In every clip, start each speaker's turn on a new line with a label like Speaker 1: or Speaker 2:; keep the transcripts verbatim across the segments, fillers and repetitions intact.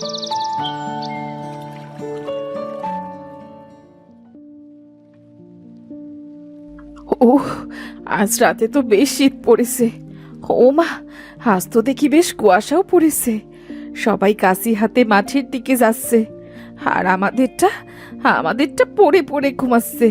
Speaker 1: ওহ, আজ রাতে তো বেশ শীত পড়েছে। ও মা, আজ তো দেখি বেশ কুয়াশাও পড়েছে। সবাই কাশি হাতে মাঠের দিকে যাচ্ছে, আর আমাদেরটা আমাদেরটা পড়ে পড়ে ঘুমাচ্ছে।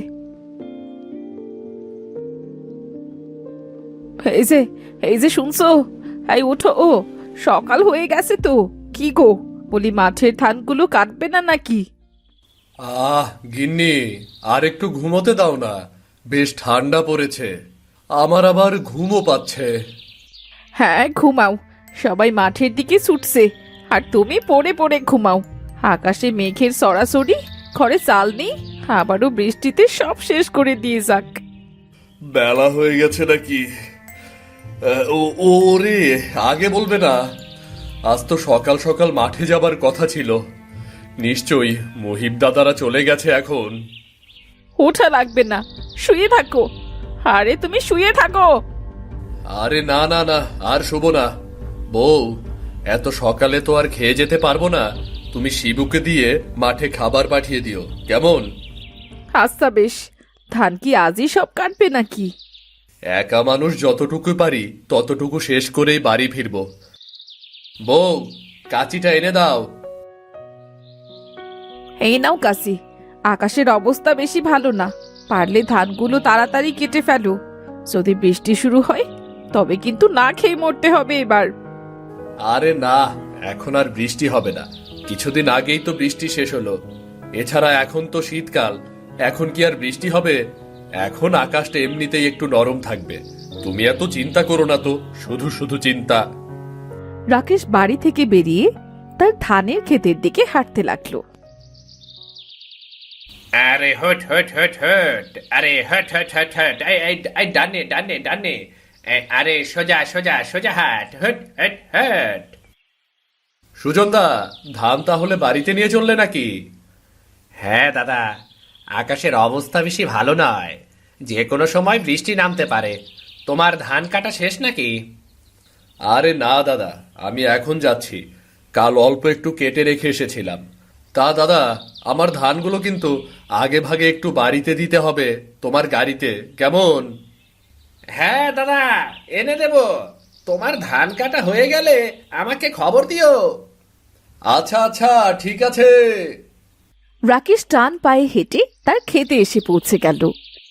Speaker 1: এই যে এই যে শুনছো, এই ওঠো, ও সকাল হয়ে গেছে তো। কি গো, বলি মাঠের ধানগুলো কাটবে না নাকি?
Speaker 2: আহ গিন্নি, আর একটু ঘুমোতে দাও না, বেশ ঠান্ডা পড়েছে, আমার আবার ঘুমও পাচ্ছে।
Speaker 1: হ্যাঁ ঘুমাও, সবাই মাঠের দিকে ছুটছে আর তুমি পড়ে পড়ে ঘুমাও। আকাশে মেঘের সরাসরি, ঘরে চাল নেই, আবারও বৃষ্টিতে সব শেষ করে দিয়ে যাক।
Speaker 2: বেলা হয়ে গেছে নাকি? আহ, ও ওরে, আগে বলবে না? আজ তো সকাল সকাল মাঠে যাবার কথা ছিল। নিশ্চয়ই মহিব দাদারা চলে গেছে এখন।
Speaker 1: ওঠা লাগবে না, শুয়ে থাকো। আরে তুমি শুয়ে থাকো।
Speaker 2: আরে না না না, আর শুভ না। বউ, এত সকালে তো আর খেয়ে যেতে পারবো না, তুমি শিবুকে দিয়ে মাঠে খাবার পাঠিয়ে দিও, কেমন?
Speaker 1: আচ্ছা বেশ, ধান কি আজই সব কাটবে নাকি?
Speaker 2: একা মানুষ যতটুকু পারি ততটুকু শেষ করেই বাড়ি ফিরবো। বউ, কাঁচিটা এনে দাও।
Speaker 1: এই নাও কাশি, আকাশের অবস্থা বেশি ভালো না, পারলে ধানগুলো তাড়াতাড়ি কেটে ফেলো। যদি বৃষ্টি শুরু হয় তবে কিন্তু না খেয়ে মরতে হবে এবার।
Speaker 2: আরে না, এখন আর বৃষ্টি হবে না, কিছুদিন আগেই তো বৃষ্টি শেষ হলো। এছাড়া এখন তো শীতকাল, এখন কি আর বৃষ্টি হবে? এখন আকাশটা এমনিতেই একটু নরম থাকবে। তুমি এত চিন্তা করো না তো, শুধু শুধু চিন্তা।
Speaker 1: রাকেশ বাড়ি থেকে বেরিয়ে তার ধানের ক্ষেতের দিকে হাঁটতে লাগলো।
Speaker 3: আরে হট হট হট হট, আরে হট হট হট হট, এই এই এই ডানে ডানে ডানে, এই, আরে সোজা সোজা সোজা হাট, হট হট হট।
Speaker 2: সুজনদা, ধান তাহলে বাড়িতে নিয়ে চললে নাকি?
Speaker 3: হ্যাঁ দাদা, আকাশের অবস্থা বেশি ভালো নয়, যে কোনো সময় বৃষ্টি নামতে পারে। তোমার ধান কাটা শেষ নাকি?
Speaker 2: আরে না দাদা, আমি এখন যাচ্ছি, কাল অল্প একটু কেটে রেখে এসেছিলাম। তা দাদা, আমার ধানগুলো কিন্তু আগে ভাগে একটু বাড়িতে দিতে হবে তোমার গাড়িতে, কেমন?
Speaker 3: হ্যাঁ দাদা, এনে দেব। তোমার ধান কাটা হয়ে গেলে আমাকে খবর দিও।
Speaker 2: আচ্ছা আচ্ছা, ঠিক আছে।
Speaker 1: রাকেশ টান পায়ে হেঁটে তার খেতে এসে পৌঁছে গেল।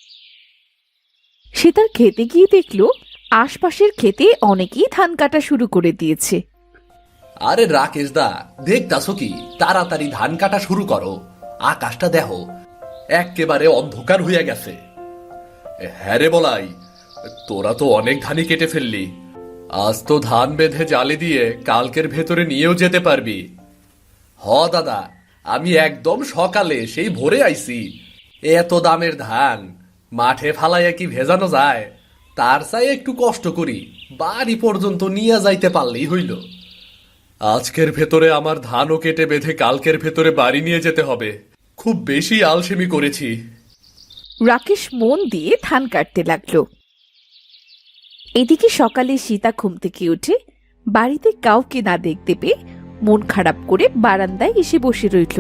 Speaker 1: সে তার খেতে গিয়ে দেখলো আশপাশের খেতে অনেকেই ধান কাটা শুরু করে দিয়েছে।
Speaker 2: আরে রাকেশ দা, দেখতাছো কি? তাড়াতাড়ি ধান কাটা শুরু করো, আকাশটা দেখো একেবারে অন্ধকার হইয়া গেছে। হ্যাঁ রে বলাই, তোরা তো অনেক ধানই কেটে ফেললি, আজ তো ধান বেঁধে জালে দিয়ে কালকের ভেতরে নিয়েও যেতে পারবি। হ দাদা, আমি একদম সকালে সেই ভোরে আইছি। এত দামের ধান মাঠে ফালাইয়া কি ভেজানো যায়? তার চাই একটু কষ্ট করি, বাড়ি পর্যন্ত নিয়ে যাইতে পারলেই হইল। আজকের ভেতরে আমার ধানও কেটে বেঁধে কালকের ভেতরে বাড়ি নিয়ে যেতে হবে, খুব বেশি আলসেমি করেছি।
Speaker 1: রাকেশ মন দিয়ে ধান কাটতে লাগলো। এদিকে সকালে সীতা ঘুম থেকে উঠে বাড়িতে কাউকে না দেখতে পেয়ে মন খারাপ করে বারান্দায় এসে বসে রইল।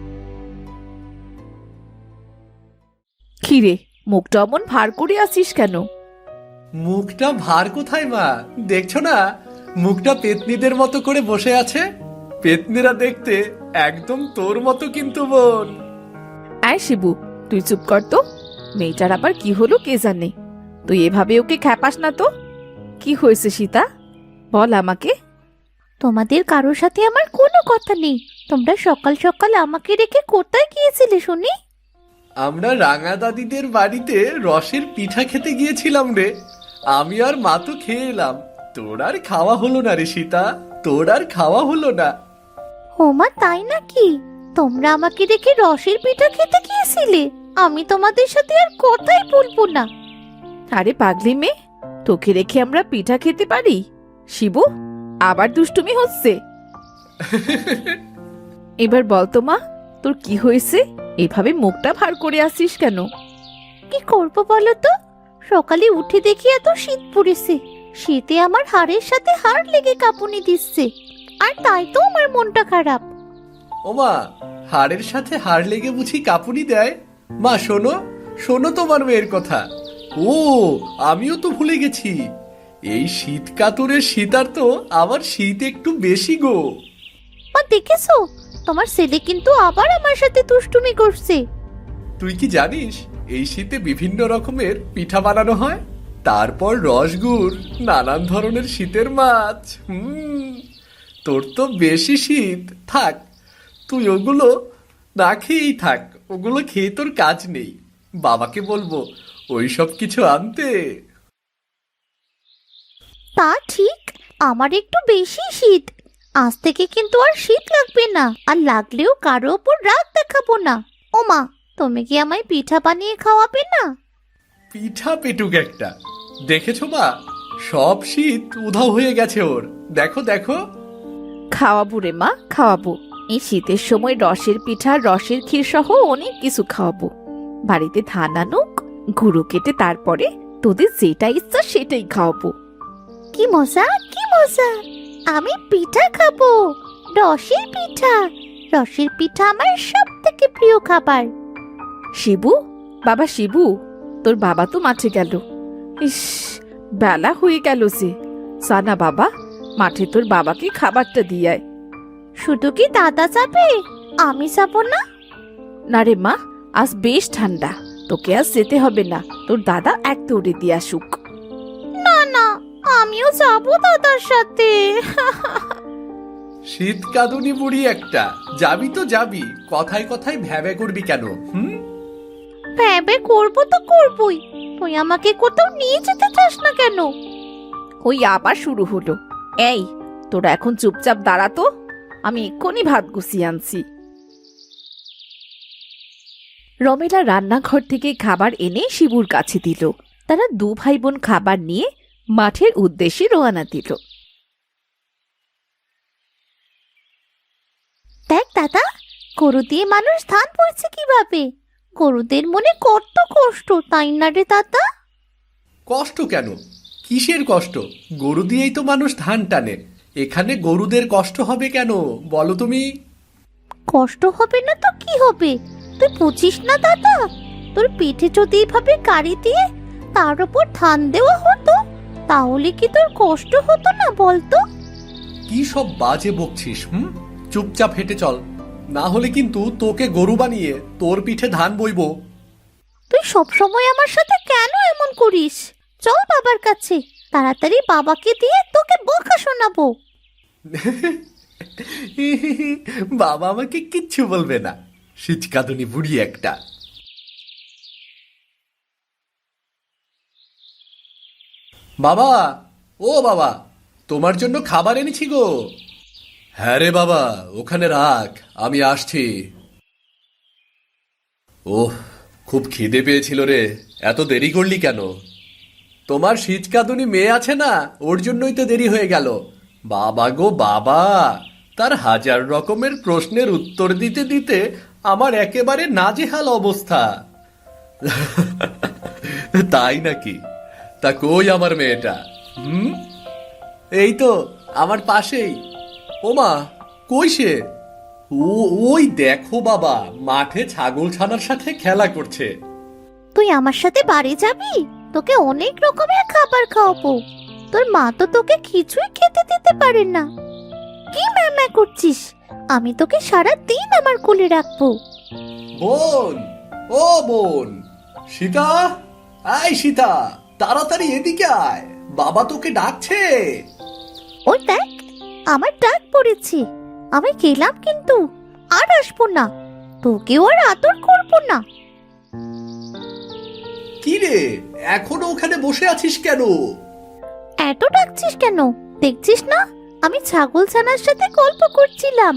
Speaker 1: কিরে, মুখটা অমন ভার করে আসিস কেন?
Speaker 2: মুখটা ভার কোথায় মা, দেখছো না মুখটা পেতনিদের মতো করে বসে আছে। পেতনিরা দেখতে একদম তোর মতো কিন্তু বোন।
Speaker 1: আয় শিবু, তুই চুপ কর তো। মেয়েটার আবার কি হলো কে জানে, তুই এভাবে ওকে খ্যাপাস না তো। কি হয়েছে সীতা, বল আমাকে।
Speaker 4: তোমাদের কারোর সাথে আমার কোনো কথা নেই। তোমরা সকাল সকাল আমাকে রেখে কোথায় গিয়েছিলে শুনি?
Speaker 2: আমরা রাঙা দাদিদের বাড়িতে রসের পিঠা খেতে গিয়েছিলাম রে, আমি আর মা তো খেয়ে এলাম, তোর আর খাওয়া হলো না রে সীতা, তোর আর খাওয়া হলো না।
Speaker 4: ওমা তাই নাকি? তোমরা আমাকে রেখে রসের পিঠা খেতে গিয়েছিলে? আমি তোমাদের সাথে আর কথাই বলবো না।
Speaker 1: আরে পাগলি মেয়ে, তোকে রেখে আমরা পিঠা খেতে পারি? শিবু, আবার দুষ্টুমি হচ্ছে। এবার বলতো মা, তোর কি হয়েছে? এভাবে মুখটা ভার করে আসিস কেন?
Speaker 4: কি করবো বলো তো, সকালে উঠে দেখি এত শীত পড়েছে, শীতে আমার হাড়ের সাথে হাড় লেগে কাঁপুনি দিচ্ছে, আর তাই তো আমার মনটা খারাপ।
Speaker 2: ওমা, হাড়ের সাথে হাড় লেগে বুঝি কাঁপুনি দেয়? মা শোনো, শোনো তোমার মেয়ের কথা। ও, আমিও তো ভুলে গেছি, এই শীত কাতুরের শীতার তো আমার শীত একটু বেশি গো।
Speaker 4: মা দেখেছো, তোমার ছেলে কিন্তু আবার আমার সাথে দুষ্টুমি করছে।
Speaker 2: তুই কি জানিস এই শীতে বিভিন্ন রকমের পিঠা বানানো হয়, তারপর রসগুড়, নানান ধরনের শীতের মাছ। হুম, তোর তো বেশি শীত, থাক তুই ওগুলো না খেয়েই থাক, ওগুলো খেয়ে তোর কাজ নেই। বাবাকে বলবো ওই সব কিছু আনতে।
Speaker 4: তা ঠিক, আমার একটু বেশি শীত। আজ থেকে কিন্তু আর শীত লাগবে না, আর লাগলেও কারো ওপর রাগ দেখাবো না। ও মা, তুমি কি আমায় পিঠা বানিয়ে খাওয়াবে না?
Speaker 2: পিঠা পেটুক একটা, দেখেছো মা, সব শীত উধাও হয়ে গেছে ওর। দেখো দেখো।
Speaker 1: খাওয়াবো রে মা, খাওয়াবো। এই শীতের সময় রসের পিঠা, রসের ক্ষীর সহ অনেক কিছু খাওয়াবো। বাড়িতে ধান আনুক, গুঁড়ো কেটে তারপরে তোদের যেটা ইচ্ছা সেটাই খাওয়াবো।
Speaker 4: কি মজা, কি মজা! আমি পিঠা খাবো, রসের পিঠা। রসের পিঠা আমার সব থেকে প্রিয় খাবার।
Speaker 1: শিবু, বাবা শিবু, তোর বাবা তো মাঠে গেল। ইস, বেলা হয়ে গেল যে। সানা বাবা, মাঠে তোর বাবাকে খাবারটা দিয়ে আয়।
Speaker 4: শুধু কি দাদা যাবে, আমি যাব না?
Speaker 1: না রে মা, আজ বেশ ঠান্ডা, তোকে আজ যেতে হবে না, তোর দাদা এক দৌড়ে দিয়ে আসুক।
Speaker 4: না না, আমিও যাব দাদার সাথে।
Speaker 2: শীত কাঁদুনি বুড়ি একটা, যাবি তো যাবি, কথায় কথায় ভ্যাবে করবি কেন? হুম,
Speaker 4: ভেবে করবো তো করবোই, তুই আমাকে কোথাও নিয়ে যেতে চাস না কেন?
Speaker 1: ওই আবার শুরু হলো। এই, তোরা এখন চুপচাপ দাঁড়া তো, আমি এক্ষুনি ভাত গুছিয়ে আনছি। রমেলা রান্নাঘর থেকে খাবার এনে শিবুর কাছে দিল। তারা দু ভাই বোন খাবার নিয়ে মাঠের উদ্দেশ্যে রওনা দিল।
Speaker 4: দেখ দাদা, গরু দিয়ে মানুষ ধান বইছে কিভাবে। গরুদের মনে কত কষ্ট, তাই না রে দাদা?
Speaker 2: কষ্ট কেন? কিসের কষ্ট? গরু দিয়েই তো মানুষ ধান টানে, এখানে গরুদের কষ্ট হবে কেন বলো তুমি?
Speaker 4: কষ্ট হবে না তো কি হবে? তুই বুঝিস না দাদা, তোর পিঠে যদি এইভাবে গাড়ি দিয়ে তার উপর ধান দেওয়া হতো, তাহলে কি তোর কষ্ট হতো না বলতো?
Speaker 2: কি সব বাজে বকছিস? হুম, চুপচাপ হেঁটে চল, না হলে কিন্তু তোকে গরু বানিয়ে তোর পিঠে ধান বইবো।
Speaker 4: তুই সব সময় আমার সাথে কেন এমন করিস? চল বাবার কাছে, তাড়াতাড়ি বাবাকে দিয়ে তোকে বকা শোনাবো।
Speaker 2: বাবা আমাকে কিচ্ছু বলবে না, শীতকাদুনি বুড়ি একটা। বাবা, ও বাবা, তোমার জন্য খাবার এনেছি গো। হ্যাঁ রে বাবা, ওখানে রাখ, আমি আসছি। ওহ, খুব খিদে পেয়েছিল রে, এত দেরি করলি কেন? তোমার শীতকাদুনি মেয়ে আছে না, ওর জন্যই তো দেরি হয়ে গেল। বাবা গো বাবা, তার হাজার রকমের প্রশ্নের উত্তর দিতে দিতে আমার একেবারে নাজেহাল অবস্থা। তাই নাকি? তা কই আমার মেয়েটা? হুম, এই তো আমার পাশেই। ওমা, কই সে? ও, ওই দেখো বাবা, মাঠে ছাগল ছানার সাথে খেলা করছে।
Speaker 4: তুই আমার সাথে বাড়ি যাবি, তোকে অনেক রকমের খাবার খাওয়াবো। তোর মা তো তোকে কিছুই খেতে দিতে পারে না। কি ম্যামা করছিস? আমি তোকে সারা দিন আমার কোলে রাখবো।
Speaker 2: বোন, ও বোন, সীতা, আয় সীতা, তাড়াতাড়ি এদিকে আয়, বাবা তোকে ডাকছে।
Speaker 4: ওই দেখ, আমার ডাক পড়েছে, আমি গেলাম কিন্তু আর আসবো না, তোকেও আর আদর করবো না।
Speaker 2: কি রে, এখনো ওখানে বসে আছিস কেন?
Speaker 4: এত ডাকছিস কেন? দেখছিস না আমি ছাগল ছানার সাথে গল্প করছিলাম।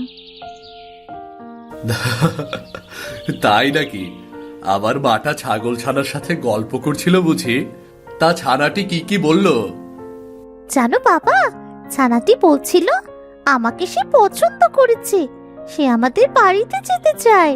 Speaker 2: তাই নাকি? আমার মাটা ছাগল ছানার সাথে গল্প করছিল বুঝি? তা ছানাটি কি কি বলল?
Speaker 4: জানো বাবা, ছানাটি বলছিল আমাকে সে পছন্দ করেছে, সে আমাদের বাড়িতে যেতে চায়।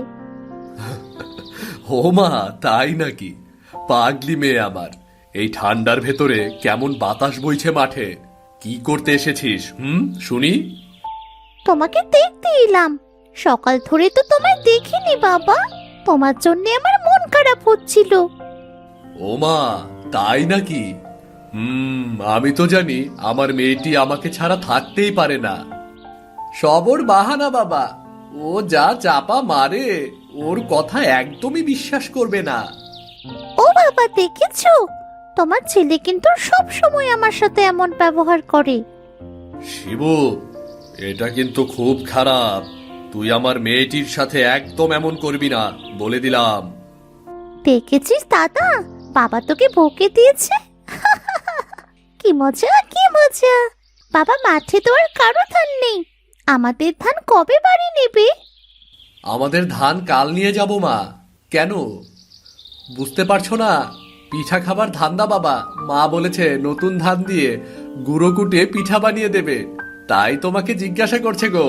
Speaker 2: ও মা, তাই নাকি? পাগলি মেয়ে আমার, এই ঠান্ডার ভেতরে কেমন বাতাস বইছে মাঠে, কি করতে এসেছিস? হুম, শুনি।
Speaker 4: তোমাকে দেখতে এলাম, সকাল ধরে তো তোমায় দেখিনি বাবা। তোমার জন্য আমার মন খারাপ হচ্ছিল।
Speaker 2: ও মা, তাই নাকি? হুম, আমি তো জানি আমার মেয়েটি আমাকে ছাড়া থাকতেই পারে না। সবর বাহানা বাবা, ও যা চাপা মারে, ওর কথা একদমই বিশ্বাস করবে না।
Speaker 4: ও বাবা, দেখেছো? তোমার ছেলে কিন্তু সব সময় আমার সাথে এমন ব্যবহার করে।
Speaker 2: শিবু, এটা কিন্তু খুব খারাপ। তুই আমার মেয়েটির সাথে একদম এমন করবি না, বলে দিলাম।
Speaker 4: দেখেছিস দাদা, বাবা তোকে বকে দিয়েছে। কি মজা, কি মজা। বাবা, মাঠে তো আর কারো ধান নেই। আমাদের ধান কবে বাড়ি নেবে?
Speaker 2: আমাদের ধান কাল নিয়ে যাব মা। কেন বুঝতে পারছো না? পিঠা খাবার ধান্দা বাবা। মা বলেছে নতুন ধান দিয়ে গুঁড়ো কুটে পিঠা বানিয়ে দেবে, তাই তোমাকে জিজ্ঞাসা করছে গো।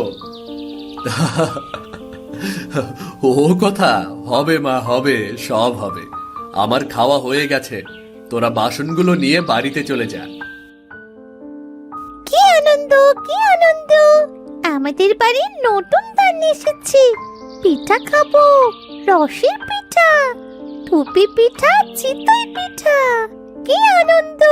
Speaker 2: ও কথা হবে মা, হবে, সব হবে। আমার খাওয়া হয়ে গেছে, তোরা বাসনগুলো নিয়ে বাড়িতে চলে যা।
Speaker 4: কি আনন্দ, কি আনন্দ! আমাদের বাড়ির নতুন ধান এসেছে। পিঠা খাবো, রসের পিঠা, টুপি পিঠা, চিতই পিঠা। কি আনন্দ!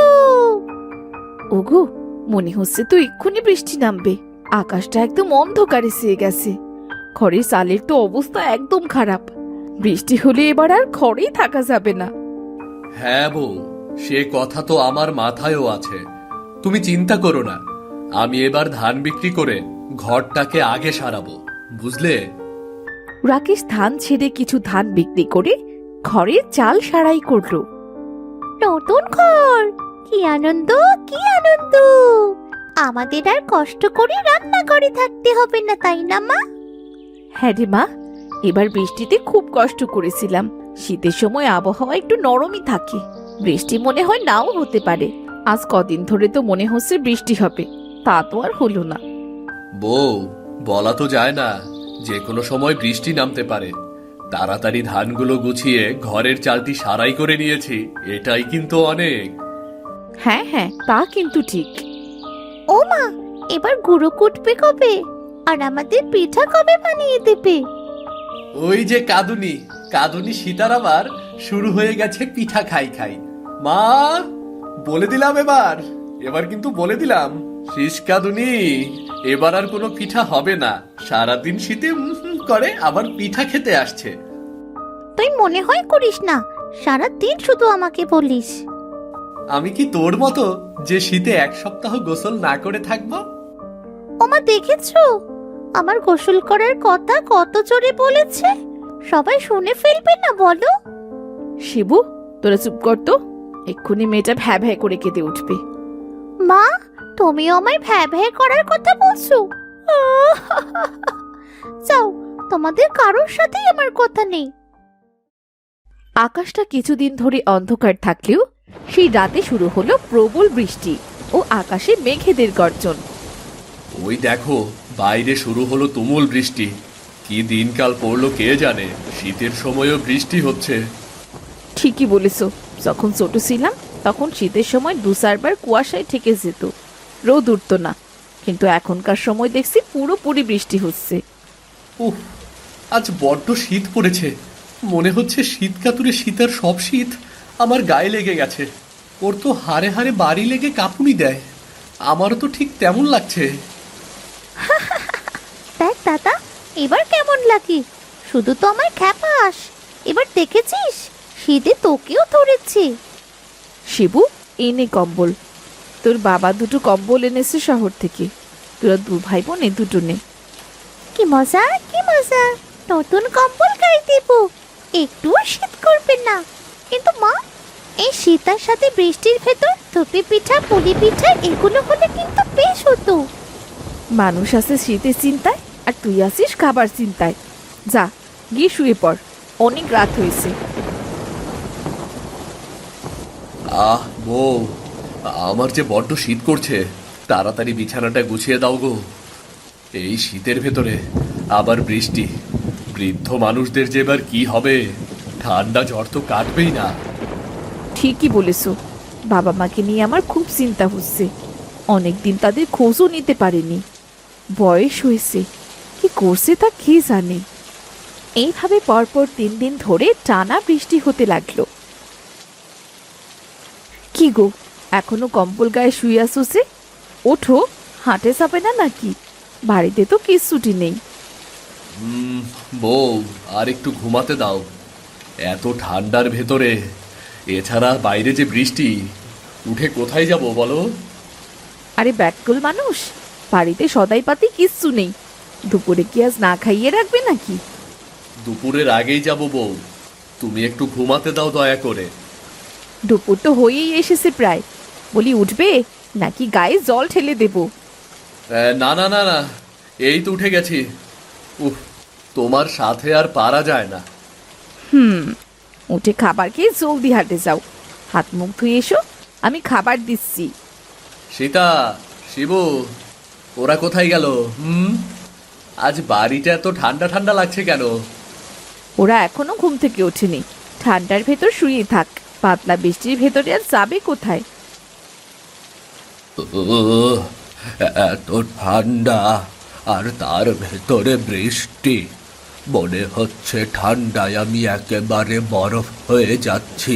Speaker 1: ওগো, মনে হচ্ছে তো এক্ষুনি বৃষ্টি নামবে। আকাশটা একদম অন্ধকারে ছেয়ে গেছে। ঘরের চালের তো অবস্থা একদম খারাপ। বৃষ্টি হলে এবার আর ঘরেই থাকা যাবে না।
Speaker 2: হ্যাঁ বউ, সে কথা তো আমার মাথায়ও আছে। তুমি চিন্তা করো না, আমি এবার ধান বিক্রি করে ঘরটাকে আগে সারাবো, বুঝলে?
Speaker 1: রাকেশ ধান ছেড়ে কিছু ধান বিক্রি করে ঘরের চাল সারাই করলো।
Speaker 4: নতুন ঘর, কি আনন্দ, কি আনন্দ! আমাদের আর কষ্ট করে রান্না করে থাকতে হবে না, তাই না মা?
Speaker 1: হ্যাঁ রে মা, এবার বৃষ্টিতে খুব কষ্ট করেছিলাম। শীতের সময় আবহাওয়া একটু নরমই থাকে, বৃষ্টি মনে হয় নাও হতে পারে। আজ কদিন ধরে তো মনে হচ্ছে বৃষ্টি হবে, তা তো আর হলো না।
Speaker 2: বউ, বলা তো যায় না, যে কোনো সময় বৃষ্টি নামতে পারে। তাড়াতাড়ি ধানগুলো গুছিয়ে ঘরের চালটি সারাই করে নিয়েছি, এটাই কিন্তু অনেক।
Speaker 1: হ্যাঁ হ্যাঁ, তা কিন্তু ঠিক।
Speaker 4: ও মা, এবার গুঁড়ো কুটবে কবে? আর আমাদের পিঠা কবে বানিয়ে দেবে?
Speaker 2: ওই যে কাঁদুনি, কাঁদুনি সীতার আবার শুরু হয়ে গেছে পিঠা খাই খাই। মা, বলে দিলাম এবার, এবার কিন্তু বলে দিলাম, শীষ কাঁদুনি, এবার আর কোনো পিঠা হবে না। সারাদিন শীতে উম হুম করে আবার পিঠা খেতে আসছে।
Speaker 4: তুই মনে হয় করিস না, সারা দিন শুধু আমাকে বলিস।
Speaker 2: আমি কি তোর মতো যে শীতে এক সপ্তাহ গোসল না করে থাকবো?
Speaker 4: ওমা, দেখেছো আমার গোসল করার কথা কত জোরে বলেছে? সবাই শুনে ফেলবে না বলো?
Speaker 1: শিবু, তোরা চুপ কর তো, এক্ষুনি মেয়েটা ভ্যা ভ্যা করে কেঁদে উঠবে।
Speaker 4: মা, তুমিও আমায় ভ্যা ভ্যা করার কথা বলছো? যাও, তোমাদের কারোর সাথেই আমার কথা নেই।
Speaker 1: আকাশটা কিছুদিন ধরে অন্ধকার থাকলেও সেই রাতে শুরু হলো প্রবল বৃষ্টি ও আকাশে মেঘেদের গর্জন।
Speaker 2: ওই দেখো, বাইরে শুরু হলো তুমুল বৃষ্টি। কি দিনকাল পড়লো কে জানে, শীতের সময়ও বৃষ্টি হচ্ছে।
Speaker 1: ঠিকই বলেছ, যখন ছোট ছিলাম তখন শীতের সময় দু চারবার কুয়াশায় ঠেকে যেত, রোদ উঠতো না। কিন্তু এখনকার সময় দেখছি পুরোপুরি বৃষ্টি হচ্ছে।
Speaker 2: উফ, আজ বড্ড শীত পড়েছে। মনে হচ্ছে শীত কাতুরে শীতের সব শীত আমার গায়ে লেগে গেছে। ওর তো হাড়ে হাড়ে বাড়ি লেগে কাঁপুনি দেয়, আমারও তো ঠিক তেমন লাগছে।
Speaker 4: দেখ দাদা, এবার কেমন লাগে? শুধু তো আমার খ্যাপাস, এবার দেখেছিস শীতে তোকেও ধরেছে।
Speaker 1: শিবু, এনে কম্বল। তোর বাবা দুটো কম্বল এনেছে শহর থেকে, তোরা দু ভাই বোন এ দুটো নে।
Speaker 4: কি মজা, কি মজা! নতুন কম্বল গায়ে দেব, একটুও শীত করবে না। কিন্তু মা, এই শীতের সাথে বৃষ্টির ভেতর থুপি পিঠা, পুলি পিঠা এগুলো হলে কিন্তু বেশ হতো।
Speaker 1: মানুষ আছে শীতের চিন্তায়, আর তুই আসিস খাবার চিন্তায়। যা, গিয়ে শুয়ে পড়, অনেক রাত হয়েছে।
Speaker 2: আহ বউ, আমার যে বড্ড শীত করছে, তাড়াতাড়ি বিছানাটা গুছিয়ে দাও গো। এই শীতের ভেতরে আবার বৃষ্টি, বৃদ্ধ মানুষদের যে এবার কি হবে, ঠান্ডা জ্বর তো কাটবেই না।
Speaker 1: ঠিকই বলেছ, বাবা মাকে নিয়ে আমার খুব চিন্তা হচ্ছে। অনেকদিন তাদের খোঁজও নিতে পারেনি, বয়স হয়েছে, কি করছে তা কে জানে। এইভাবে পরপর তিন দিন ধরে টানা বৃষ্টি হতে লাগলো। কি গো, এখনো কম্বল গায়ে শুয়ে আসছে? ওঠো, হাঁটে যাবে না নাকি? বাড়িতে তো কিচ্ছুটি নেই।
Speaker 2: উম, বউ, আর একটু ঘুমাতে দাও। এত ঠান্ডার ভেতরে, এছাড়া বাইরে যে বৃষ্টি, উঠে কোথায় যাব বলো?
Speaker 1: আরে ব্যাকুল মানুষ, বাড়িতে সদাই পাতি কিচ্ছু নেই। দুপুরে কি আজ না খাইয়ে রাখবে নাকি?
Speaker 2: দুপুরের আগেই যাব বউ, তুমি একটু ঘুমাতে দাও দয়া করে।
Speaker 1: দুপুর তো হয়েই এসেছে প্রায়, বলি উঠবে নাকি গায়ে জল ঠেলে দেব?
Speaker 2: আহ, না না না না, এই তো উঠে গেছি। উফ, তোমার সাথে আর পারা যায় না।
Speaker 1: হুম, উঠে খাবার খেয়ে জলদি হাঁটে যাও। হাত মুখ ধুয়ে এসো, আমি খাবার দিচ্ছি।
Speaker 2: সীতা, শিবু, ওরা কোথায় গেল? হুম, আজ বাড়িটা এত ঠান্ডা ঠান্ডা লাগছে কেন?
Speaker 1: ওরা এখনো ঘুম থেকে ওঠেনি, ঠান্ডার ভেতর শুয়ে থাক। পাতলা বৃষ্টির ভেতরে আর যাবে কোথায়?
Speaker 2: উহ, এত ঠান্ডা, আর তার ভেতরে বৃষ্টি। মনে হচ্ছে ঠান্ডায় আমি একেবারে বরফ হয়ে যাচ্ছি।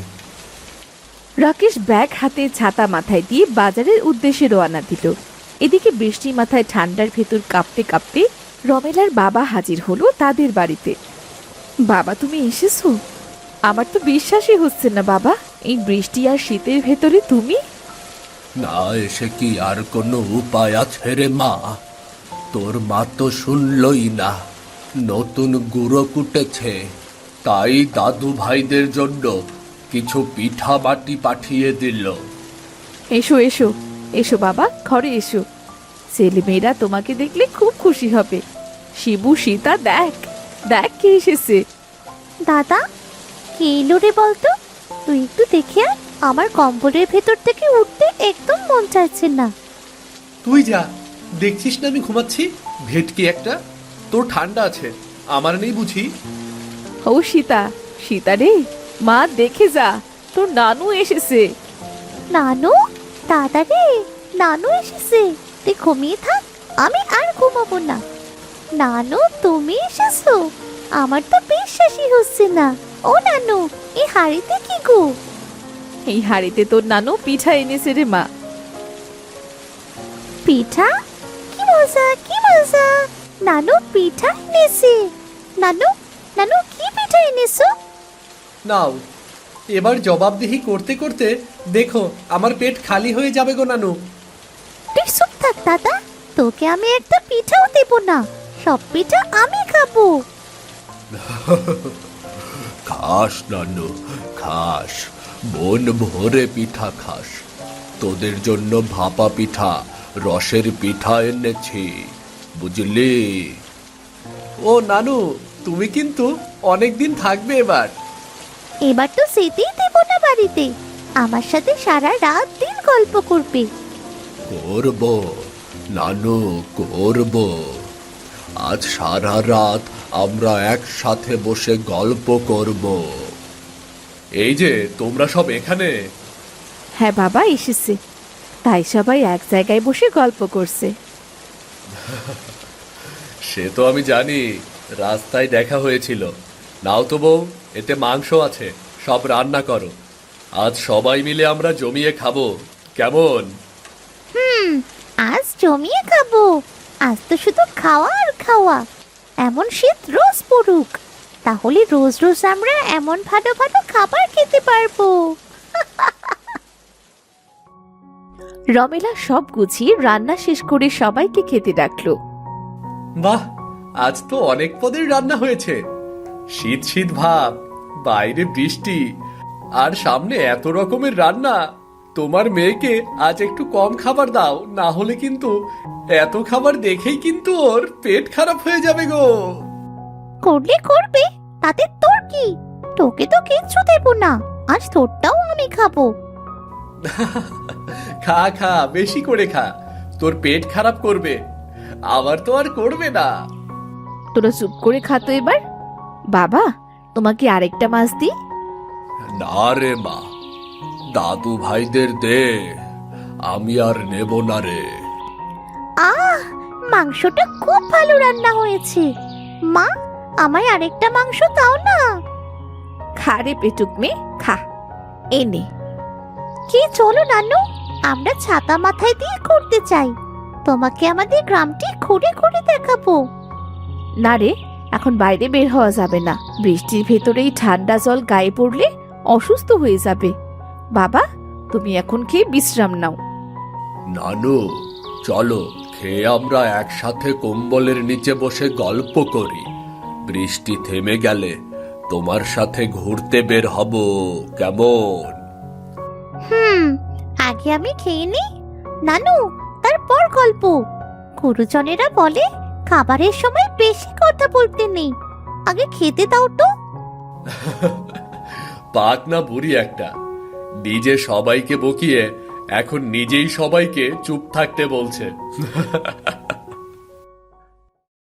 Speaker 1: রাকেশ ব্যাগ হাতে ছাতা মাথায় দিয়ে বাজারের উদ্দেশ্যে রওনা দিল। এদিকে বৃষ্টি মাথায় ঠান্ডার ভেতর কাঁপতে কাঁপতে রমেলার বাবা হাজির হলো তাদের বাড়িতে। বাবা, তুমি এসেছো? আমার তো বিশ্বাসই হচ্ছে না বাবা, এই বৃষ্টি আর শীতের ভেতরে তুমি।
Speaker 2: না এসে কি আর কোনো উপায় আছে রে মা? তোর মা তো শুনলই না, নতুন গুঁড়ো কুটেছে, তাই দাদু ভাইদের জন্য কিছু পিঠা বাটি পাঠিয়ে দিল।
Speaker 1: এসো এসো এসো বাবা, ঘরে এসো। ছেলেমেয়েরা তোমাকে দেখলে খুব খুশি হবে। শিবু, সীতা, দেখ দেখ কে এসেছে।
Speaker 4: দাদা, কে এলো রে বলতো? তুই একটু দেখে আয়, আমার কম্বলের ভেতর থেকে উঠতে একদম মন চাইছে না।
Speaker 2: তুই যা, দেখছিস না আমি ঘুমাচ্ছি? ভেটকি একটা, তোর ঠান্ডা আছে, আমার নেই বুঝি?
Speaker 1: ও সীতা, সীতা রে, মা দেখে যা, তোর নানু এসেছে।
Speaker 4: নানু? দাদা রে, নানু এসেছে। তুই ঘুমিয়ে থাক, আমি আর ঘুমাবো না। নানু, তুমি এসেছো? আমার তো বিশ্বাসই হচ্ছে না। ও নানু, এই হাড়িতে কি গো?
Speaker 1: এই হাড়িতে তোর নানু পিঠা এনেছে রে মা।
Speaker 4: পিঠা? কি মজা, কি মজা! নানু পিঠা এনেছে। নানু, নানু কি পিঠা এনেছো?
Speaker 2: নাও, এবার জবাবদিহি করতে করতে দেখো আমার পেট খালি হয়ে যাবে গো নানু।
Speaker 4: তুই চুপ থাক দাদা, তোকে আমি একটা পিঠাও দেব না। সব পিঠা আমি খাবো।
Speaker 2: খাস নানু, খাস, মন ভরে পিঠা খাস। তোদের জন্য ভাপা পিঠা, রসের পিঠা এনেছি, বুঝলি? ও নানু, তুমি কিন্তু অনেক দিন থাকবে এবার।
Speaker 4: এবার তো যেতেই দেব না বাড়িতে। আমার সাথে সারা রাত দিন গল্প করবে।
Speaker 2: করব নানু, করব। আজ সারা রাত আমরা একসাথে বসে গল্প করব। এই যে তোমরা সব এখানে।
Speaker 1: হ্যাঁ বাবা, এসেছে, তাই সবাই এক জায়গায় বসে গল্প করছে।
Speaker 2: সে তো আমি জানি, রাস্তায় দেখা হয়েছিল। নাও তো বউ, এতে মাংস আছে, সব রান্না করো। আজ সবাই মিলে আমরা জমিয়ে খাবো, কেমন?
Speaker 4: হুম, আজ জমিয়ে খাবো। আজ তো শুধু খাওয়া আর খাওয়া। এমন শীত রোজ পড়ুক, তাহলে রোজ রোজ আমরা এমন ভালো ভালো খাবার খেতে পারবো।
Speaker 1: রমেলা সব গুছিয়ে রান্না শেষ করে সবাইকে খেতে ডাকলো।
Speaker 2: বাহ, আজ তো অনেক পদের রান্না হয়েছে। শীত শীত ভাব, বাইরে বৃষ্টি, আর সামনে এত রকমের রান্না। তোমার মেয়েকে আজ একটু কম খাবার দাও, না হলে কিন্তু এত খাবার দেখেই কিন্তু ওর পেট খারাপ হয়ে যাবে গো।
Speaker 4: করলে করবে, তাতে তোর কি? তোকে তো কিচ্ছু দেব না, আজ তোরটাও আমি খাবো।
Speaker 2: খা খা, বেশি করে খা, তোর পেট খারাপ করবে, আবার তো আর করবে না।
Speaker 1: তোরা চুপ করে খাতো এবার। বাবা, তোমাকে আরেকটা মাছ দিই?
Speaker 2: না রে মা, দাদু ভাইদের দে, আমি আর নেব না রে।
Speaker 4: আহ, মাংসটা খুব ভালো রান্না হয়েছে। মা, আমায় আরেকটা মাংস দাও না।
Speaker 1: খা রে পেটুক মেয়ে, খা। এনে।
Speaker 4: কি, চলো নানু, আমরা ছাতা মাথায় দিয়ে ঘুরতে চাই। তোমাকে আমাদের গ্রামটি ঘুরে ঘুরে দেখাবো।
Speaker 1: না রে, এখন বাইরে বের হওয়া যাবে না। বৃষ্টির ভেতরেই ঠান্ডা জল গায়ে পড়লে অসুস্থ হয়ে যাবে। বাবা, তুমি এখন খেয়ে বিশ্রাম নাও।
Speaker 2: নানু, চলো খেয়ে আমরা একসাথে কম্বলের নিচে বসে গল্প করি। বৃষ্টি থেমে গেলে তোমার সাথে ঘুরতে বের হব, কেমন?
Speaker 4: হুম, আগে আমি খেয়ে নি নানু, তারপর গল্প। গুরুজনেরা বলে খাবারের সময় বেশি কথা বলতে নেই। আগে খেতে দাও তো।
Speaker 2: পাক না বুড়ি একটা, নিজে সবাইকে বকিয়ে এখন নিজেই সবাইকে চুপ থাকতে বলছে।